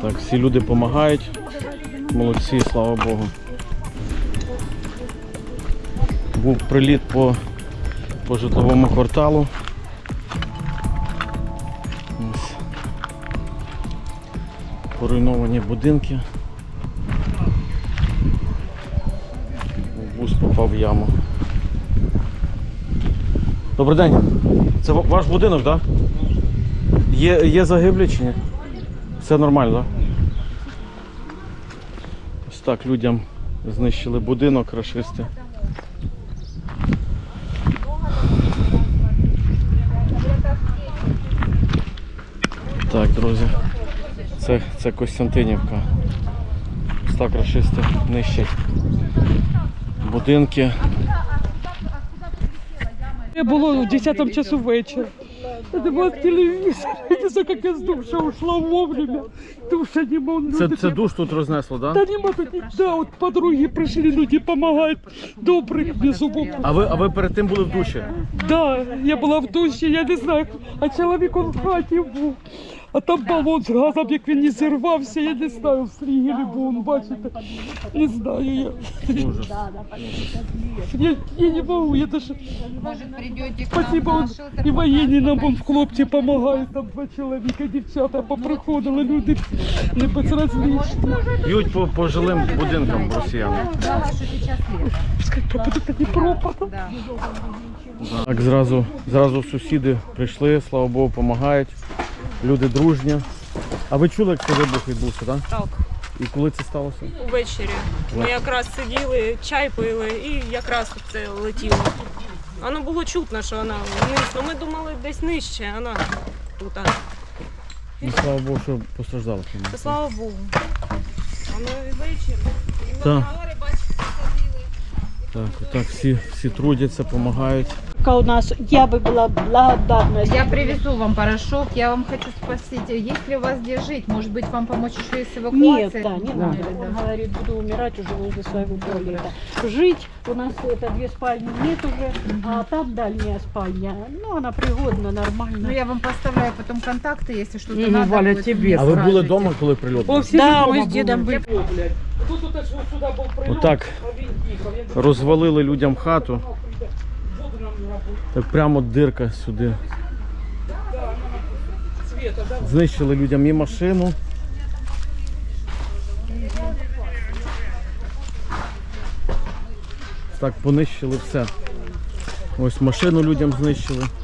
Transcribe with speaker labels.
Speaker 1: Так, всі люди допомагають. Молодці, слава Богу. Був приліт по житловому кварталу. Ось. Поруйновані будинки. Бус попав в яму. Добрий день. Це ваш будинок, так? Да? Є загиблі чи ні? Все нормально, так? Да? Ось так людям знищили будинок рашисти. Так, друзі, це Костянтинівка. Ось так рашисти нищать будинки.
Speaker 2: Я було в 10 часу вечора. Я дивилась телевізор. Не знаю, як я з душа ушла вовремя. Душа не можу.
Speaker 1: Це душ тут рознесло, так?
Speaker 2: Да нема тут. Да, от подруги прийшли, люди допомагають. Добрих внизу.
Speaker 1: А ви перед тим були в душі?
Speaker 2: Да, я була в душі, я не знаю. А чоловік он в хаті був. А там балон з газом, як він не зірвався, я не знаю, в Стрігелі був, бачите. Не знаю я.
Speaker 1: Ужас.
Speaker 2: Я не можу, я даже... Спасибо, он, і воєнні нам он, хлопці допомагають, там 2 чоловіка, дівчата поприходили, люди не безразлічні.
Speaker 1: Б'ють по жилим будинкам росіяни. Так, зразу сусіди прийшли, слава Богу, допомагають. Люди дружні. А ви чули, як цей вибух відбувся, так?
Speaker 3: Так.
Speaker 1: І коли це сталося?
Speaker 3: Увечері. Ми якраз сиділи, чай пили і якраз це летіло. Воно було чутно, що вона вниз. Ну, ми думали десь нижче, а вона тут.
Speaker 1: Ну, слава Богу, що постраждало.
Speaker 3: Та слава Богу. Воно і ввечері. І ми
Speaker 1: Так.
Speaker 3: на горі, бачите, садили.
Speaker 1: Так, отак всі трудяться, допомагають.
Speaker 4: У нас, я бы была благодарна.
Speaker 5: Я привезу вам порошок. Я вам хочу спросить, есть ли у вас где жить? Может быть, вам помочь еще и с
Speaker 4: Нет,
Speaker 5: эвакуацией?
Speaker 4: да, не надо. Он говорит, буду умирать уже возле своего туалета. Жить у нас это 2 спальни нет уже, а там дальняя спальня. Ну, она пригодна, нормально.
Speaker 5: Ну, я вам поставляю потом контакты, если что-то надо
Speaker 2: Валя,
Speaker 5: будет.
Speaker 2: тебе.
Speaker 1: А ви були вдома, коли прильот був?
Speaker 4: Да, мы с дедом были.
Speaker 2: Тут от сюди був прильот,
Speaker 1: Отак розвалили людям хату. Так прямо дирка сюди. Знищили людям і машину. Так, понищили все. Ось машину людям знищили.